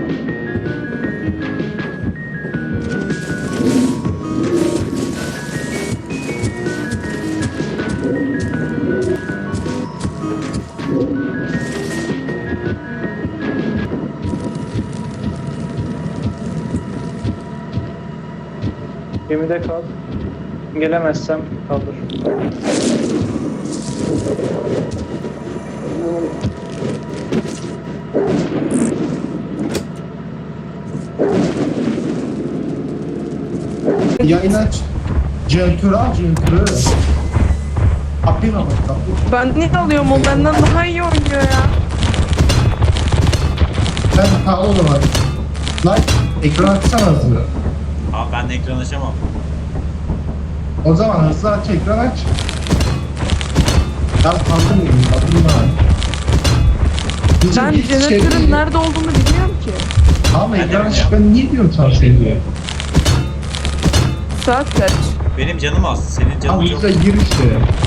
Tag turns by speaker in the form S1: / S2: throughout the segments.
S1: Gemide kal. Gelemezsem kaldır.
S2: Yayın aç. Jeneratörü al, jeneratörü. Kapıyı kapat, kapıyı.
S3: Ben niye alıyorum, o benden daha iyi oynuyor ya.
S2: Ben ha o zaman. Lan ekran açsana hızlı.
S4: Abi ben de ekran açamam.
S2: O zaman hızlı aç, ekran aç. Ben kaldırmayayım, kaldırma.
S3: Ben jeneratörün nerede olduğunu bilmiyorum ki.
S2: Ama
S4: Ben de
S2: ekran aç,
S4: bilmiyorum.
S2: ben niye diyorum sana şey diyor.
S3: Saat kaç?
S4: Benim canım az. Senin canın
S2: Abi
S4: çok.
S2: yüzde gir işte.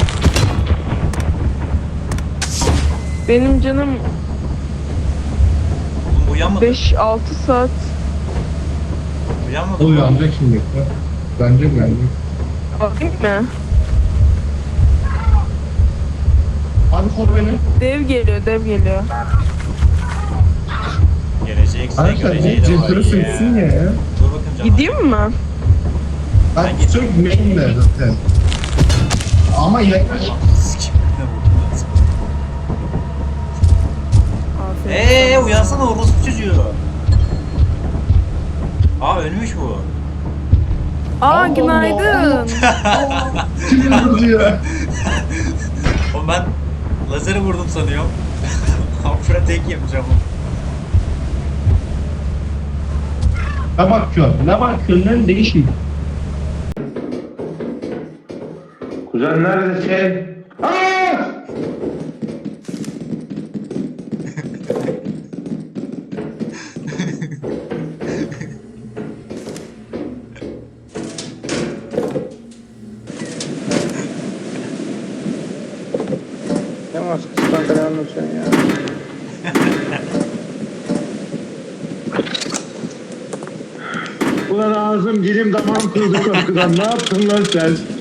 S3: Benim canım
S4: Oğlum uyanmadı.
S3: 5-6 saat.
S4: Uyanmadı.
S2: O uyanacak şimdi. Bence geldi.
S3: Bakayım mı?
S2: Hadi kor beni.
S3: Dev geliyor, dev geliyor.
S4: Gelecekse
S2: Arkadaşlar
S4: göreceği
S2: ne
S4: de
S2: jeneratörü
S4: var
S2: söksün ya.
S4: Dur bakayım canım.
S3: Gideyim mi?
S2: Ben
S4: Ben
S2: sök main'le zaten. Ama yayın aç.
S4: Sikim. Ne vurdun lan sen?
S3: Aferin.
S4: Uyansana orospu çocuğu. Aa ölmüş bu.
S3: Aa, günaydın.
S2: Kim vurdu ya?
S4: Oğlum ben lazeri vurdum sanıyorum. Afra tek yemiş ama.
S2: Ne bakıyorsun? Ne bakıyorsun lan değişik. Kuzen neredesin? Aaa!
S1: Ne maskesinden falan anlatıyorsun ya.
S5: Ulan ağzım dilim damağım kırıldı korkudan. Ne yaptın lan sen?